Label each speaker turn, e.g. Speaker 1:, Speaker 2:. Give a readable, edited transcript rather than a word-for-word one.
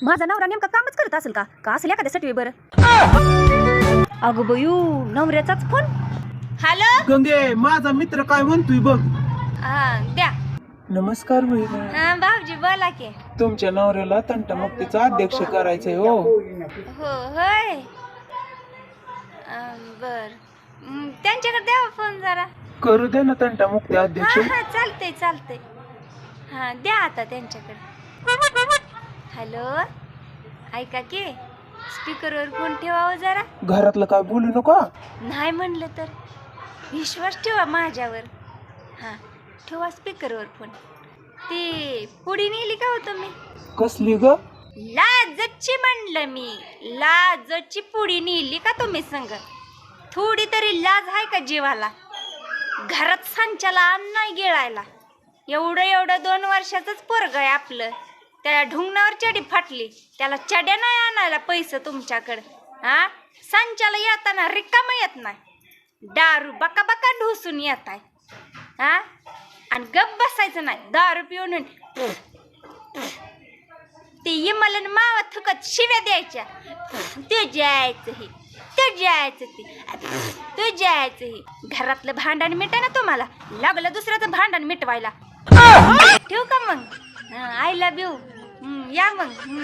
Speaker 1: माझा नवरा नेमका कामच करत असेल का का असेल एखाद्यासाठी बरं? अगं बयू, नवऱ्याचाच फोन. हॅलो
Speaker 2: गंगे, माझा मित्र काय म्हणतोय बघ.
Speaker 1: द्या.
Speaker 2: नमस्कार बहिणी.
Speaker 1: हा भाऊजी बोला की.
Speaker 2: तुमच्या नवऱ्याला तंटामुक्तीचा अध्यक्ष करायचंय हो.
Speaker 1: हो होय. बर, त्यांच्याकडे द्यावा फोन जरा.
Speaker 2: करू दे ना तंटामुक्ती अध्यक्ष.
Speaker 1: हा चालतंय चालतंय. हा द्या आता त्यांच्याकडे. हॅलो, ऐका की, स्पीकरवर फोन ठेवावं जरा.
Speaker 2: घरातलं काय बोलू नका.
Speaker 1: नाही म्हणलं तर विश्वास ठेवा माझ्यावर. हा ठेवा स्पीकरवर फोन. ती पुडी नेली का हो तुम्ही?
Speaker 2: कसली ग?
Speaker 1: लाजची म्हणलं मी, लाजची पुडी नेली का तुम्ही संग? थोडी तरी लाज आहे का जीवाला? घरात सांच्याला अन्न नाही गिळायला. एवढं 2 वर्षाचंच पोरग आहे आपलं. त्याला ढुंगणावर चडी फाटली, त्याला चड्या नाही आणायला पैसे तुमच्याकडं. हा सांच्याला येताना रिकाम येत नाही, दारू बका बका ढोसून येत आहे. हा आणि गप बसायचं नाही, दारू पिऊन ते इमलन मावा थुकत शिव्या द्यायच्या. ते जायचं हे, ते जायचं ते जायचं हे. घरातलं भांडण मिटा ना तुम्हाला, लागलं दुसऱ्याचं भांडण मिटवायला. ठेवू का मग? I love you. या मग.